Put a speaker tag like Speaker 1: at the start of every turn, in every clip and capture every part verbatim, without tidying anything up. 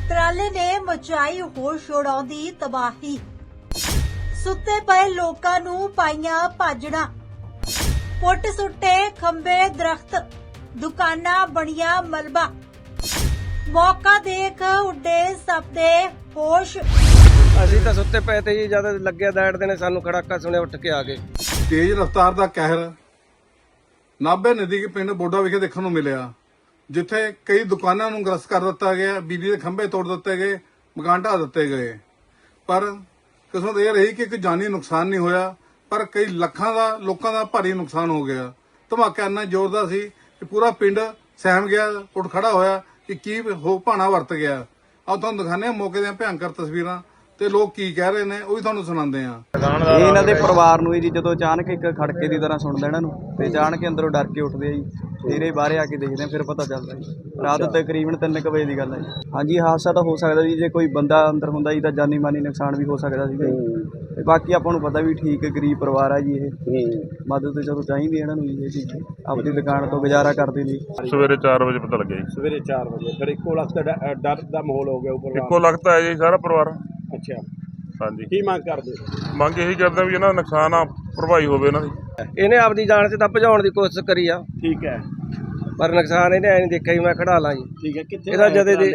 Speaker 1: ਟਰਾਲੇ ਨੇ ਮਚਾਈ ਹੋਸ਼ ਉਡਾਉਂਦੀ ਤਬਾਹੀ। ਸੁੱਤੇ ਪਏ ਲੋਕਾਂ ਨੂੰ ਪਾਈਆਂ ਭਾਜੜਾਂ, ਪੁੱਟ ਸੁੱਟੇ ਖੰਭੇ ਦਰਖਤ, ਦੁਕਾਨਾਂ ਬਣੀਆਂ ਮਲਬਾ। ਮੌਕਾ ਦੇਖ ਉੱਡੇ ਸਭ ਦੇ ਹੋਸ਼।
Speaker 2: ਅਸੀਂ ਤਾਂ ਸੁੱਤੇ ਪਏ ਤੇ ਜੀ, ਜਦ ਲੱਗਿਆ ਦੈੜਦੇ ਨੇ ਸਾਨੂੰ ਖੜਾਕਾ ਸੁਣਿਆ, ਉੱਠ ਕੇ ਆ ਗਏ।
Speaker 3: ਤੇਜ਼ ਰਫ਼ਤਾਰ ਦਾ ਕਹਿਰ ਨਾਭੇ ਨਦੀ ਦੇ ਪਿੰਡ ਬੋਡਾ ਵਿਖੇ ਦੇਖਣ ਨੂੰ ਮਿਲਿਆ, ਜਿੱਥੇ ਕਈ ਦੁਕਾਨਾਂ ਨੂੰ ਗ੍ਰਸਤ ਕਰ ਦਿੱਤਾ ਗਿਆ, ਬਿਜਲੀ ਦੇ ਖੰਭੇ ਤੋੜ ਦਿੱਤੇ ਗਏ, ਮਕਾਨ ਢਾਹ ਦਿੱਤੇ ਗਏ। ਪਰ ਕਿਸਮਤ ਇਹ ਰਹੀ ਕਿ ਕੋਈ ਜਾਨੀ ਨੁਕਸਾਨ ਨਹੀਂ ਹੋਇਆ, ਪਰ ਕਈ ਲੱਖਾਂ ਦਾ ਲੋਕਾਂ ਦਾ ਭਾਰੀ ਨੁਕਸਾਨ ਹੋ ਗਿਆ। ਧਮਾਕਾ ਇੰਨਾ ਜ਼ੋਰਦਾਰ ਸੀ ਕਿ ਪੂਰਾ ਪਿੰਡ ਸਹਿਮ ਗਿਆ, ਉੱਠ ਖੜਾ ਹੋਇਆ ਕਿ ਕੀ ਹੋ ਭਾਣਾ ਵਰਤ ਗਿਆ। ਆਓ ਤੁਹਾਨੂੰ ਦਿਖਾਉਂਦੇ ਹਾਂ ਮੌਕੇ ਦੀਆਂ ਭਿਆਨਕ ਤਸਵੀਰਾਂ ਤੇ ਲੋਕ ਕੀ ਕਹਿ ਰਹੇ ਨੇ, ਉਹ ਵੀ ਤੁਹਾਨੂੰ ਸੁਣਾਉਂਦੇ ਆ।
Speaker 4: ਇਹ ਇਹਨਾਂ ਦੇ ਪਰਿਵਾਰ ਨੂੰ ਜੀ ਜਦੋਂ ਅਚਾਨਕ ਇੱਕ ਖੜਕੇ ਦੀ ਤਰ੍ਹਾਂ ਸੁਣਦਾ ਇਹਨਾਂ ਨੂੰ, ਤੇ ਅਚਾਨਕ ਅੰਦਰੋਂ ਡਰ ਕੇ ਉੱਠਦੇ ਆ ਜੀ। ਫਿਰ ਇਹ ਬਾਹਰ ਆ ਕੇ ਦੇਖਦੇ ਆ, ਫਿਰ ਪਤਾ ਚੱਲਦਾ ਜੀ। ਰਾਤ ਤਕਰੀਬਨ ਤਿੰਨ ਕੁ ਵਜੇ ਦੀ ਗੱਲ ਹੈ ਜੀ। ਹਾਂਜੀ, ਹਾਦਸਾ ਤਾਂ ਹੋ ਸਕਦਾ ਜੀ, ਜੇ ਕੋਈ ਬੰਦਾ ਅੰਦਰ ਹੁੰਦਾ ਜੀ ਤਾਂ ਜਾਨੀ ਮਾਨੀ ਨੁਕਸਾਨ ਵੀ ਹੋ ਸਕਦਾ ਸੀਗਾ ਜੀ। ਤੇ ਬਾਕੀ ਆਪਾਂ ਨੂੰ ਪਤਾ ਵੀ ਠੀਕ ਗਰੀਬ ਪਰਿਵਾਰ ਆ ਜੀ, ਇਹ ਮਦਦ ਤੇ ਚਲੋ ਚਾਹੀਦੀ ਇਹਨਾਂ ਨੂੰ ਜੀ। ਇਹ ਚੀਜ਼ ਆਪਣੀ ਦੁਕਾਨ ਤੋਂ ਗੁਜ਼ਾਰਾ ਕਰਦੇ ਨੇ।
Speaker 5: ਸਵੇਰੇ ਚਾਰ ਵਜੇ ਪਤਾ ਲੱਗਿਆ ਜੀ।
Speaker 6: ਸਵੇਰੇ ਚਾਰ ਵਜੇ ਫਿਰ ਇੱਕੋ ਲਖਤ ਡਰ ਦਾ ਮਾਹੌਲ ਹੋ ਗਿਆ ਉੱਪਰ।
Speaker 5: ਇੱਕੋ ਲਖਤ ਹੈ ਜੀ ਸਾਰਾ ਪਰਿਵਾਰ।
Speaker 6: ਅੱਛਾ,
Speaker 5: ਹਾਂਜੀ।
Speaker 6: ਕੀ ਮੰਗ ਕਰਦੇ?
Speaker 5: ਮੰਗ ਇਹੀ ਕਰਦੇ ਵੀ ਇਹਨਾਂ ਦਾ ਨੁਕਸਾਨ ਆ ਭਰਵਾਈ ਹੋਵੇ ਇਹਨਾਂ ਦੀ।
Speaker 2: ਇਹਨੇ ਆਪਦੀ ਜਾਨ 'ਚ ਤਾਂ ਭਜਾਉਣ ਦੀ ਕੋਸ਼ਿਸ਼ ਕਰੀ ਆ,
Speaker 6: ਠੀਕ ਹੈ,
Speaker 2: ਪਰ ਨੁਕਸਾਨ ਇਹਨੇ ਐ ਨਹੀਂ ਦੇਖਿਆ ਜੀ ਮੈਂ ਖੜਾ ਲਾਂ ਜੀ।
Speaker 6: ਠੀਕ ਹੈ। ਕਿੱਥੇ
Speaker 2: ਇਹਦਾ ਜਦੇ ਦੇ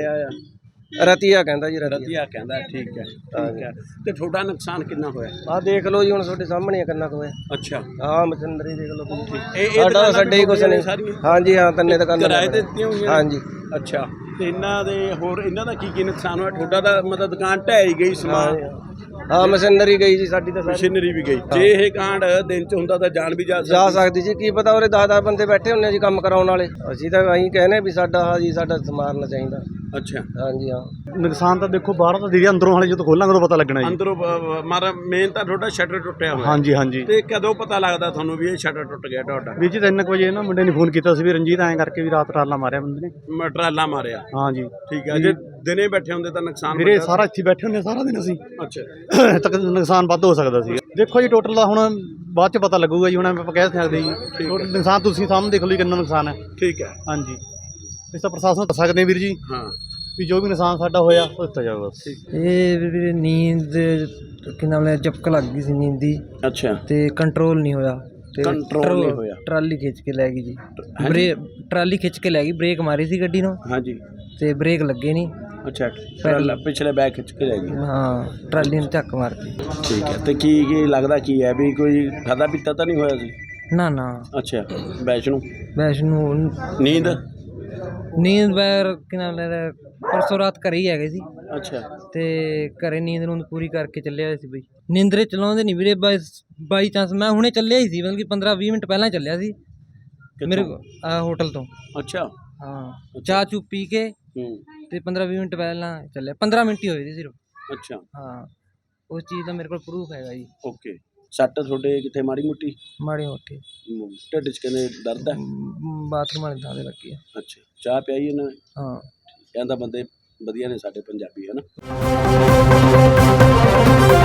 Speaker 2: ਰਤੀਆ ਕਹਿੰਦਾ ਜੀ, ਰਤੀਆ
Speaker 6: ਰਤੀਆ ਕਹਿੰਦਾ। ਠੀਕ ਹੈ, ਠੀਕ ਹੈ। ਤੇ ਤੁਹਾਡਾ ਨੁਕਸਾਨ ਕਿੰਨਾ ਹੋਇਆ?
Speaker 2: ਆਹ ਦੇਖ ਲਓ ਜੀ, ਹੁਣ ਤੁਹਾਡੇ ਸਾਹਮਣੇ ਆ ਕਿੰਨਾ ਕੁ ਹੋਇਆ।
Speaker 6: ਅੱਛਾ,
Speaker 2: ਆਹ ਮਸ਼ੀਨਰੀ ਦੇਖ ਲਓ ਤੁਸੀਂ।
Speaker 6: ਇਹ
Speaker 2: ਸਾਡਾ ਸਾਡੇ ਹੀ ਕੁਛ ਨਹੀਂ। ਹਾਂਜੀ ਹਾਂ, ਤਿੰਨੇ ਦੁਕਾਨਾਂ
Speaker 6: ਕਿਰਾਏ ਤੇ ਦਿੱਤੀਆਂ ਹੋਈਆਂ?
Speaker 2: ਹਾਂਜੀ।
Speaker 6: ਅੱਛਾ, ਤੇ ਇਹਨਾਂ ਦੇ ਹੋਰ ਇਹਨਾਂ ਦਾ ਕੀ ਕੀ ਨੁਕਸਾਨ ਹੋਇਆ? ਤੁਹਾਡਾ ਤਾਂ ਮਤਲਬ ਦੁਕਾਨ ਢਹਿ ਗਈ, ਸਮਾਨ
Speaker 2: ਹਾਂ ਮਸ਼ੀਨਰੀ ਗਈ ਜੀ ਸਾਡੀ ਤਾਂ ਸਾਰੀ।
Speaker 6: ਮਸ਼ੀਨਰੀ ਵੀ ਗਈ। ਜੇ ਇਹ ਕਾਂਡ ਦਿਨ ਚ ਹੁੰਦਾ ਤਾਂ ਜਾਨ ਵੀ ਜਾ
Speaker 2: ਜਾ ਸਕਦੀ ਜੀ, ਕੀ ਪਤਾ ਉਰੇ ਦਸ ਦਸ ਬੰਦੇ ਬੈਠੇ ਹੁੰਦੇ ਜੀ ਕੰਮ ਕਰਾਉਣ ਵਾਲੇ। ਅਸੀਂ ਤਾਂ ਅਸੀਂ ਕਹਿੰਦੇ ਵੀ ਸਾਡਾ ਹਾਂ ਜੀ, ਸਾਡਾ ਸਮਾਰਨਾ ਚਾਹੀਦਾ।
Speaker 6: ਅੱਛਾ,
Speaker 2: ਹਾਂਜੀ ਹਾਂ।
Speaker 7: ਨੁਕਸਾਨ ਤਾਂ ਦੇਖੋ ਬਾਹਰੋਂ ਤਾਂ ਦੀਦੀ, ਅੰਦਰੋਂ ਹਾਲੇ ਜਦੋਂ ਖੋਲਾਂਗੇ ਉਦੋਂ ਪਤਾ ਲੱਗਣਾ ਜੀ।
Speaker 6: ਅੰਦਰੋਂ ਮਾਰਾ ਮੇਨ ਤਾਂ ਤੁਹਾਡਾ ਸ਼ਟਰ ਟੁੱਟਿਆ ਹੋਇਆ।
Speaker 7: ਹਾਂਜੀ ਹਾਂਜੀ।
Speaker 6: ਤੇ ਕਦੋਂ ਪਤਾ ਲੱਗਦਾ ਤੁਹਾਨੂੰ ਵੀ ਇਹ ਸ਼ਟਰ ਟੁੱਟ ਗਿਆ ਤੁਹਾਡਾ?
Speaker 7: ਵੀਰ ਜੀ ਤਿੰਨ ਕੁ ਵਜੇ ਨਾ ਮੁੰਡੇ ਨੇ ਫੋਨ ਕੀਤਾ ਸੀ ਵੀ ਰਣਜੀਤ ਐਂ ਕਰਕੇ ਵੀ ਰਾਤ ਟਰਾਲਾ ਮਾਰਿਆ ਬੰਦੇ ਨੇ।
Speaker 6: ਮਟਰਾਲਾ ਮਾਰਿਆ?
Speaker 7: ਹਾਂਜੀ।
Speaker 6: ਠੀਕ ਹੈ। ਜੇ ਦਿਨੇ ਬੈਠੇ ਹੁੰਦੇ ਤਾਂ ਨੁਕਸਾਨ
Speaker 7: ਵੀਰੇ ਸਾਰਾ ਇੱਥੇ ਬੈਠੇ ਹੁੰਦੇ ਸਾਰਾ ਦਿਨ ਅਸੀਂ।
Speaker 6: ਅੱਛਾ,
Speaker 7: ਤੱਕ ਨੁਕਸਾਨ ਵੱਧ ਹੋ ਸਕਦਾ ਸੀ। ਦੇਖੋ ਜੀ ਟੋਟਲ ਦਾ ਹੁਣ ਬਾਅਦ ਚ ਪਤਾ ਲੱਗੂਗਾ ਜੀ, ਹੁਣ ਆਪਾਂ ਕਹਿ ਸਕਦੇ ਜੀ। ਟੋਟਲ ਨੁਕਸਾਨ ਤੁਸੀਂ ਸਾਹਮਣੇ ਦੇਖ ਲਓ ਜੀ ਕਿੰਨਾ ਨੁਕਸਾਨ ਹੈ।
Speaker 6: ਠੀਕ ਹੈ।
Speaker 7: ਹਾਂਜੀ, ਇਸ ਤਾਂ ਪ੍ਰਸ਼ਾਸਨ ਨੂੰ ਦੱਸ ਸਕਦੇ ਵੀਰ ਜੀ।
Speaker 6: ਹਾਂ,
Speaker 7: ਵੀ ਜੋ ਵੀ ਨੁਕਸਾਨ ਸਾਡਾ ਹੋਇਆ ਉਹ ਦਿੱਤਾ ਜਾਊਗਾ।
Speaker 8: ਇਹ ਵੀਰੇ ਨੀਂਦ ਕਿ ਨਾਮ ਲੈ ਝਪਕ ਲੱਗ ਗਈ ਸੀ ਨੀਂਦ ਦੀ।
Speaker 6: ਅੱਛਾ,
Speaker 8: ਤੇ ਕੰਟਰੋਲ ਨਹੀਂ ਹੋਇਆ ਤੇ
Speaker 6: ਕੰਟਰੋਲ ਨਹੀਂ ਹੋਇਆ।
Speaker 8: ਟਰਾਲੀ ਖਿੱਚ ਕੇ ਲੈ ਗਈ ਜੀ। ਬ੍ਰੇਕ ਟਰਾਲੀ ਖਿੱਚ ਕੇ ਲੈ ਗਈ, ਬ੍ਰੇਕ ਮਾਰੀ ਸੀ ਗੱਡੀ ਨੂੰ।
Speaker 6: ਹਾਂਜੀ।
Speaker 8: ਤੇ ਬ੍ਰੇਕ ਲੱਗੇ ਨਹੀਂ।
Speaker 6: ਅੱਛਾ, ਟਰਾਲਾ ਪਿਛਲੇ ਬੈਕ ਖਿੱਚ ਕੇ ਲੈ ਗਈ।
Speaker 8: ਹਾਂ, ਟਰਾਲੀ ਨੂੰ ਝੱਕ ਮਾਰਤੀ।
Speaker 6: ਠੀਕ ਹੈ। ਤੇ ਕੀ ਕੀ ਲੱਗਦਾ ਕੀ ਹੈ ਵੀ ਕੋਈ ਖਾਦਾ ਪੀਤਾ ਤਾਂ ਨਹੀਂ ਹੋਇਆ ਸੀ?
Speaker 8: ਨਾ ਨਾ।
Speaker 6: ਅੱਛਾ, ਵੈਸ਼ਨੂੰ
Speaker 8: ਵੈਸ਼ਨੂੰ
Speaker 6: ਨੀਂਦ
Speaker 8: ਨੀਂਦ ਬੈਰ ਕਿ ਨਾਮ ਲੈ ਪਰਸੋਂ ਰਾਤ ਘਰੇ ਹੀ ਹੈਗੇ ਸੀ।
Speaker 6: ਅੱਛਾ,
Speaker 8: ਤੇ ਘਰੇ ਨੀਂਦ ਨੂੰ ਪੂਰੀ ਕਰਕੇ ਚੱਲਿਆ ਹੋਇਆ ਸੀ ਬਈ। ਨੀਂਦਰੇ ਚਲਾਉਂਦੇ ਨਹੀਂ ਵੀਰੇ, ਬਾਈ ਚਾਂਸ ਮੈਂ ਹੁਣੇ ਚੱਲਿਆ ਹੀ ਸੀ, ਮਤਲਬ ਕਿ ਪੰਦਰਾਂ ਵੀਹ ਮਿੰਟ ਪਹਿਲਾਂ ਚੱਲਿਆ ਸੀ ਮੇਰੇ ਆ ਹੋਟਲ ਤੋਂ।
Speaker 6: ਅੱਛਾ,
Speaker 8: ਹਾਂ, ਚਾਹ ਚੂ ਪੀ ਕੇ
Speaker 6: ਹੂੰ,
Speaker 8: ਤੇ ਪੰਦਰਾਂ ਵੀਹ ਮਿੰਟ ਪਹਿਲਾਂ ਚੱਲਿਆ। ਪੰਦਰਾਂ ਮਿੰਟ ਹੀ ਹੋਏ ਸੀ ਸਿਰਫ।
Speaker 6: ਅੱਛਾ,
Speaker 8: ਹਾਂ, ਉਸ ਚੀਜ਼ ਦਾ ਮੇਰੇ ਕੋਲ ਪ੍ਰੂਫ ਹੈਗਾ ਜੀ।
Speaker 6: ਓਕੇ। ਸੱਟ ਤੁਹਾਡੇ ਕਿੱਥੇ ਮਾੜੀ ਮੋਟੀ?
Speaker 8: ਮਾੜੀ ਮੋਟੀ
Speaker 6: ਢਿੱਡ 'ਚ ਕਹਿੰਦੇ ਦਰਦ ਹੈ?
Speaker 8: ਬਾਥਰੂਮ ਵਾਲੇ ਥਾਂ 'ਤੇ ਲੱਗੀ ਆ।
Speaker 6: ਅੱਛਾ, ਚਾਹ ਪਿਆਈ ਇਹਨਾਂ ਨੇ?
Speaker 8: ਹਾਂ।
Speaker 6: ਕਹਿੰਦਾ ਬੰਦੇ ਵਧੀਆ ਨੇ ਸਾਡੇ ਪੰਜਾਬੀ, ਹੈ ਨਾ।